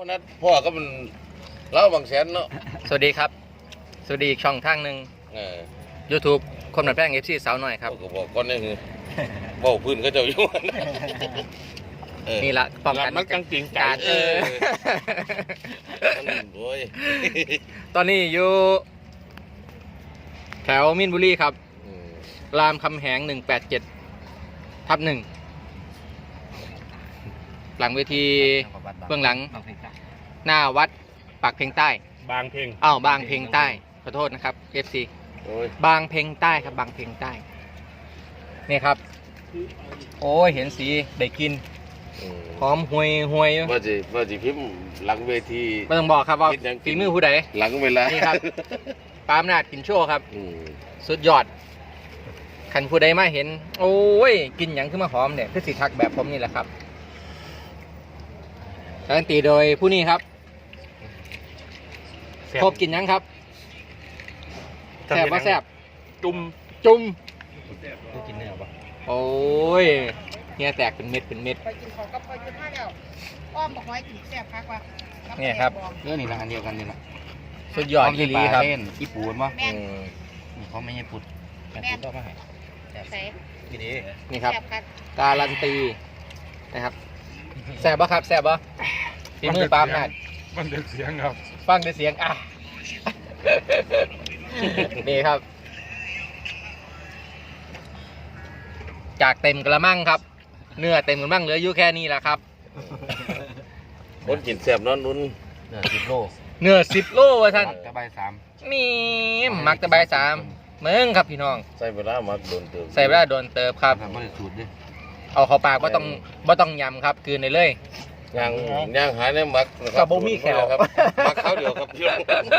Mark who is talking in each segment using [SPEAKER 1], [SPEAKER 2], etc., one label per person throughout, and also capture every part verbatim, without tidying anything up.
[SPEAKER 1] ราะนั้นพ่อก็มันเล่าบางแสนเนาะ
[SPEAKER 2] สวัสดีครับสวัสดีอีกช่องทางหนึ่ง ยูทูบ คนหนัดแป้ง เอฟ ซี สาวหน่อยครับ
[SPEAKER 1] ก็บอกก่อนนี่คือเบ้าพื้นก็เจ้าอยู่
[SPEAKER 2] นี่ละป้องกัน
[SPEAKER 3] มันกังจริงใจ
[SPEAKER 2] การเออ
[SPEAKER 1] โอ้ย
[SPEAKER 2] ตอนนี้อยู่แถวมินบุรีครับรามคำแหงหนึ่งแปดเจ็ดทับหนึ่งหลังเวทีเบื้องหลังหน้าวัดปากเพลงใต้
[SPEAKER 3] บางเพลง
[SPEAKER 2] อ้าวบางเพลงใต้ขอโทษนะครับ เอฟ ซี บางเพลงใต้ครับบางเพลงใต้นี่ครับโอ้ยเห็นสีได้กินหอมห่วยห่วย
[SPEAKER 1] ว่าจะว่าจะพิมพ์หลังเวที
[SPEAKER 2] ไม่ต้องบอกครับว่าฝีมือผู้ใด
[SPEAKER 1] หลังเวลา
[SPEAKER 2] นี่ครับปาล์มนาดกินโชว์ครับสุดยอดขันผู้ใดมาเห็นโอ้ยกินอย่างขึ้นมาหอมเนี่ยคือสิทักแบบผมนี่แหละครับการันตีโดยผู้นี้ครับพบกินยังครับแซ่บว่าแซ่บ
[SPEAKER 3] จุ่ม
[SPEAKER 2] จุ่มกินเนื้อปะโอ้ยเนี่ยแตกเป็นเม็ดเป็นเม็ด
[SPEAKER 4] ไปกินของกับไปกินมาแล้วอ้อมบอกไว้กินแซ่บคักว่า
[SPEAKER 2] เนี่ยครับ
[SPEAKER 5] เรื่องนี้ละอันเดียวกันนี่ละ
[SPEAKER 2] สุดยอดที่ลีครับ
[SPEAKER 5] ญี่ปุ่นมั้งเขาไม่ใช่ปุด
[SPEAKER 4] แม่ปุดก็มาให้ใส่
[SPEAKER 2] นี่ดีนี่ครับการันตีนะครับแซ่บปะครับแซ่บปะฝีมือปาล์มนาด
[SPEAKER 3] มันเด็กเสียงครับ
[SPEAKER 2] ฟังได้เสียงอ่ะนี่ครับจากเต็มกระมังครับเนื้อเต็มกระมังเหลืออยู่แค่นี้แหละครับ
[SPEAKER 1] คนกินแซ่บนอนนุ่น
[SPEAKER 5] เนื้อสิบโล
[SPEAKER 2] เนื้อสิบโลวะท่าน
[SPEAKER 5] ตะไบสาม
[SPEAKER 2] นี่มักตะไบสามเมืองครับพี่น้อง
[SPEAKER 1] ใส่เวลามักโดนเติบ
[SPEAKER 2] ใส่เวลาโดนเติบครับเอาเข้าปากว่าต้องว่าต้องยำครับคืนในเลย
[SPEAKER 1] ย่างย่างหายในมัก
[SPEAKER 2] กับโบมี่แขว
[SPEAKER 1] ครับมักเขาเดียวครับพี่น้อง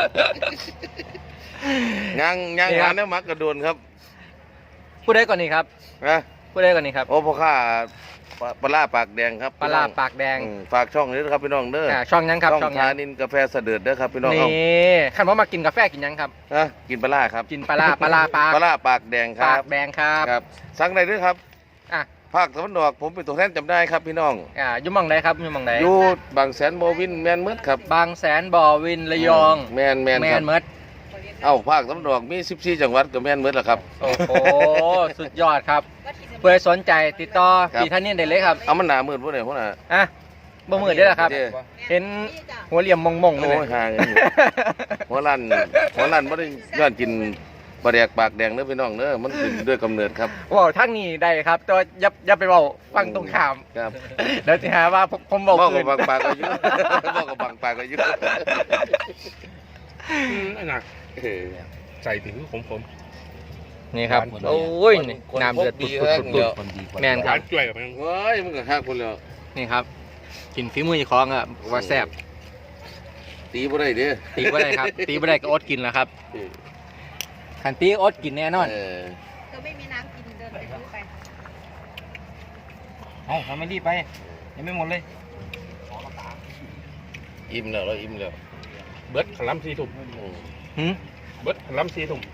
[SPEAKER 1] ย่างย่างหายในมักกระโดนครับ
[SPEAKER 2] พูดได้ก่อนนี่ครับ
[SPEAKER 1] นะ
[SPEAKER 2] พูดได้ก่อนนี่ครับ
[SPEAKER 1] โอ้พ่อข้าปลาปากแดงครับ
[SPEAKER 2] ปลาปากแดง
[SPEAKER 1] ฝากช่องนี้ครับพี่น้องเด้อ
[SPEAKER 2] ช่องยังครับ
[SPEAKER 1] ช่องทานินกาแฟเสด็จเด้อครับพี่น้อง
[SPEAKER 2] นี่ขันว่ามากินกาแฟกินยังครับ
[SPEAKER 1] นะกินปลาครับ
[SPEAKER 2] กินปลาปลาปาก
[SPEAKER 1] ปลาปากแดงครับ
[SPEAKER 2] ปากแดงครับ
[SPEAKER 1] ครับสั่งได้ด้วยครับ
[SPEAKER 2] อ่ะ
[SPEAKER 1] ภาคตะวันออกผมเป็นตัวแทนจำได้ครับพี่น้อง
[SPEAKER 2] อ่ายุ่มองไหนครับยุ่มองไหน
[SPEAKER 1] อยู่บางแสนบ่อวินแมนเมิดครับ
[SPEAKER 2] บางแสนบ่อวินระยอง
[SPEAKER 1] แมนแมน
[SPEAKER 2] แมนเมิด
[SPEAKER 1] เอ้าภาคตะวันออกมีสิบสี่จังหวัดกับแมนเมิดแหละครับ
[SPEAKER 2] โอ้โหสุดยอดครับเพื่อสนใจติดต่อพี่ท่านนี่ได้เลยครับ
[SPEAKER 1] เอามันหนามืดพวกไหนพวกน่ะ
[SPEAKER 2] อ่ะบ่มืดได้หรอครับเห็นหัวเหลี่ยมมงมงเลย
[SPEAKER 1] โอ้ยห่างหัวลั่นหัวลั่นไม่ได้ย้อนกินปลาแดกปากแดงเนื้อพี่น้องเนื้อมันเป็นด้วยกำเนิดครับ
[SPEAKER 2] ว้าวทั้งนี้ได้ครับตัวยับยับไปบอกฟังตรงข้าม
[SPEAKER 1] ครับ
[SPEAKER 2] เดี๋ยวจะหาว่าผมบอก
[SPEAKER 1] คืนบอกกับบางปากก็ยุ่บอกกับบางปากก็ยุ่
[SPEAKER 3] หนักใส่ถึงผมผม
[SPEAKER 2] นี่ครับโอ้ยน้ำเดือดปุดปุดปุดปุดแมนครับ
[SPEAKER 3] จ่วยกับมัน
[SPEAKER 1] เฮ้ยมันก็หักคนแล้ว
[SPEAKER 2] นี่ครับกินฝีมือคล้องอ่ะว่าแซ่บ
[SPEAKER 1] ตีบ่ได้เด้อ
[SPEAKER 2] ตีบ่ได้ครับตีบ่ได้ก็อดกินแล้วครับขันตีอดกินแน่นอน
[SPEAKER 4] เธอไม่มีน้ำกินเดินไปซื้อไป
[SPEAKER 5] เฮ้ยทำไม่รีบไปยังไม่หมดเลย
[SPEAKER 1] อิ่มแล้วเราอิ่มแล้ว
[SPEAKER 3] เบิร์ดขลัมซีถุ่มเบิร์ดขลัมซีถุ่ม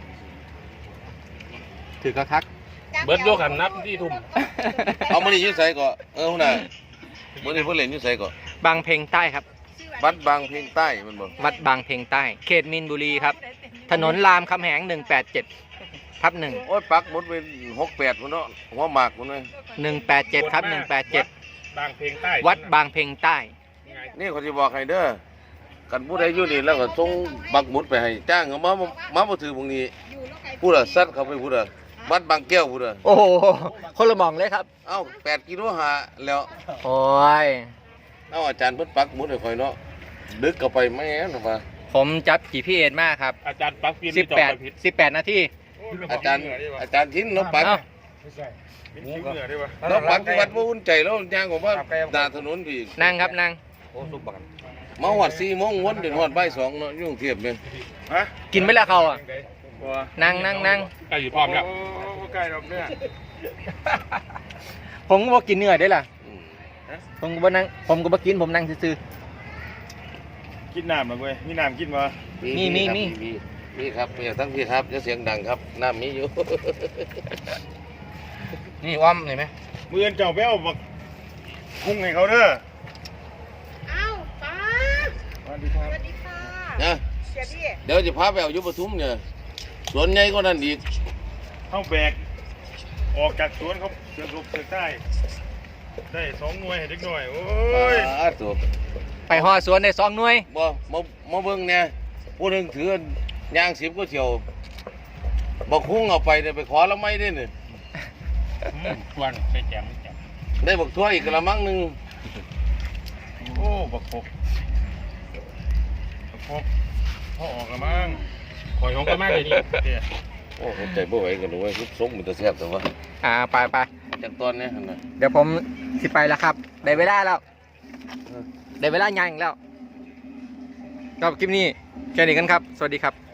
[SPEAKER 2] ถือกระคัก
[SPEAKER 3] เบิร์ดโยกันนับที่ถุ่ม
[SPEAKER 1] เอามาดิยืดใส่ก่อนเออหุ่นน่ะเมื่อนี้เพื่อนเล่นยืดใส่ก่อน
[SPEAKER 2] บางเพลงใต้ครับ
[SPEAKER 1] วัดบางเพลงใต้มันบอก
[SPEAKER 2] วัดบางเพลงใต้เขตมินบุรีครับถนนรามคำแหงหนึ่งแปดเจ็ดทับหนึ่ง
[SPEAKER 1] โอ้ยปักหมดเป็นหกแปดคนเนาะหัวหมากคนเลย
[SPEAKER 2] หนึ่งแปดเจ็ดทับหนึ่งแปดเจ็ด
[SPEAKER 3] บางเพลงใต้
[SPEAKER 2] วัดบางเพลงใต้
[SPEAKER 1] นี่เขาจะบอกให้เด้อกันผู้ใดอยู่นี่แล้วก็ส่งบักหมุดไปให้จ้างเขามามามาถือพวกนี้พูดอะซัดเขาไปพูดอะวัดบางแก้วพูดอะ
[SPEAKER 2] โอ้โหคนละมองเลยครับ
[SPEAKER 1] เอ้าแปดกิโลหาแล้ว
[SPEAKER 2] โอ้ย
[SPEAKER 1] เอ้าอาจารย์เพิ่นปักหมุดให้คอยเนาะดึกเข้าไปแม่นว่า
[SPEAKER 2] ผมจับ จี พี เอส มากครับ
[SPEAKER 3] อาจารย์ปักฟิล์ม
[SPEAKER 2] สิบแปดสิบแปดนาที
[SPEAKER 1] อาจารย์อาจารย์ทิ้นน้องปักน้องปักที่วัดว่าอุ่นใจแล้วย่างผมว่าดาถนนพี่
[SPEAKER 2] นั่งครับนั่ง
[SPEAKER 1] มาหอดสี่โมงวันเดือนหอดใบสองเนาะยุ่งเทียบเลย
[SPEAKER 2] กินไม่ละเขาอ่ะนั่งนั่งนั่ง
[SPEAKER 3] ใกล้อยู่พร้อมแล้ว
[SPEAKER 5] ใกล้รอบเนื้อ
[SPEAKER 2] ผมก็บอกกินเนื้อได้ล่ะผมก็บอกนั่งผมก็บอกกินผมนั่งซื่อ
[SPEAKER 5] กินน้ำมาเว้ยมีน้ำกินมา
[SPEAKER 2] มีมีมี
[SPEAKER 1] มีครับมีทั้งพี่ครับจะเสียงดังครับน้ำมีอยู่
[SPEAKER 2] นี่อ้อมเห็นไหม
[SPEAKER 5] มือเจ้าไปเอาบักคุ้งให้เขาเด้อ
[SPEAKER 4] เอ้าป้า
[SPEAKER 5] ดีครับ
[SPEAKER 4] สวัสดีค่ะ
[SPEAKER 1] นะ
[SPEAKER 4] เสียพี่
[SPEAKER 1] เดี๋ยวจะพาไปเอาอยู่ปทุมเนี่ยสวนใหญ่ก็นั่นอีก
[SPEAKER 5] เข้าแบกออกจากสวนเขาเสือกลบเสือกใต้ได้สองหน่วยให้เด็กหน่อยโอ้ย
[SPEAKER 1] อ่าตัว
[SPEAKER 2] ไปห่อสวนได้สองหน่วย
[SPEAKER 1] บ่มามาเบิ่งเนี่ยผู้หนึงถือย่างสิบก็เที่ยวบ่คุ้งเอาไปเนี่ยไปขอละไม่ได้เนี่ย
[SPEAKER 3] ชวนไปแจมแจม
[SPEAKER 1] ได้บักทั่วอีกกระมังหนึง
[SPEAKER 5] โอ้บักคบบักคบพ่อออกละมั้ง
[SPEAKER 3] ข่อยของก็มากเลยนี่
[SPEAKER 5] เดี๋ยว
[SPEAKER 1] โอ้ใจบ่ไหวกันเลยทุกสงมันจะแซ่บแต่ว่า
[SPEAKER 2] อ่าไปไป
[SPEAKER 1] จากตอนนี้หั่นน่ะ
[SPEAKER 2] เดี๋ยวผมสิไปแล้วครับ ได้เวลาแล้ว ได้เวลางานอีกแล้วก็คลิปนี้แค่นี้กันครับ สวัสดีครับ